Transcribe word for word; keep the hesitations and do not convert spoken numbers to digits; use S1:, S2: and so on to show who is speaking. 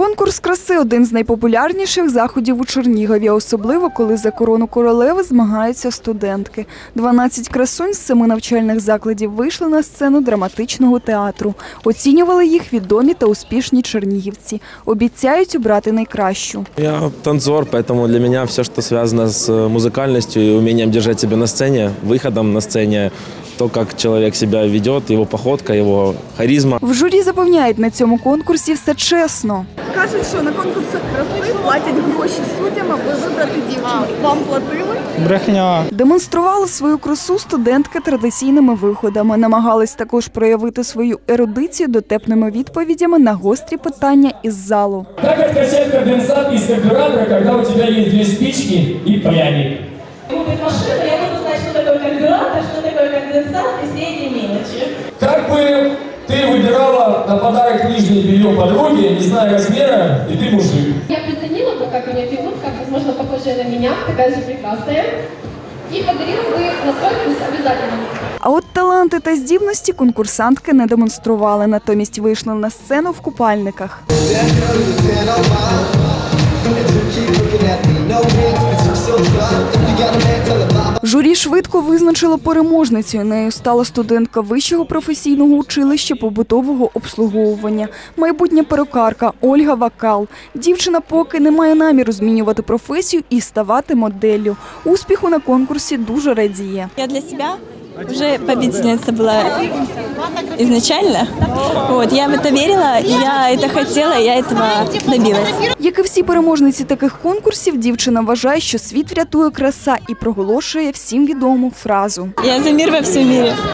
S1: Конкурс краси – один з найпопулярніших заходів у Чернігові, особливо коли за корону королеви змагаються студентки. дванадцять красунь з семи навчальних закладів вийшли на сцену драматичного театру. Оцінювали їх відомі та успішні чернігівці. Обіцяють обрати найкращу.
S2: Я танцор, поэтому для меня все, что связано с музыкальностью и умением держать себя на сцене, выходом на сцене, то, как человек себя ведет, его походка, его харизма.
S1: В журі запевняють, на цьому конкурсі все чесно.
S3: Кажуть, що на конкурсах краси платять гроші суддям, аби вибрати дівчину. Вам платили?
S4: Брехня.
S1: Демонстрували свою красу студентки традиційними виходами. Намагались також проявити свою ерудицію дотепними відповідями на гострі питання із залу.
S5: Как откачать конденсат из карбюратора, когда у тебя есть две спички и пряник?
S6: Купить машину, я буду знать, что такое карбюратор, что такое конденсат и все эти мелочи.
S5: Как бы ты выбирала на подарок нижнее белье подруге, не зная размера, и ты мужик?
S6: Я приценила бы, как у нее фигурка, возможно, похожая на меня, такая же прекрасная. И подарила бы на свой вкус обязательно.
S1: А от таланти та здібності конкурсантки не демонстрували, натомість вийшли на сцену в купальниках. Журі швидко визначило переможницю. Нею стала студентка Вищого професійного училища побутового обслуговування. Майбутня перукарка Ольга Вакал. Дівчина поки не має наміру змінювати професію і ставати моделлю. Успіху на конкурсі дуже радіє.
S7: Я для себе уже победительница была изначально. Вот, я в это верила, я это хотела, я этого добилась.
S1: Як і всі переможниці таких конкурсів, дівчина вважає, що світ врятує краса і проголошує всім відому фразу.
S7: Я за мир во всем мире.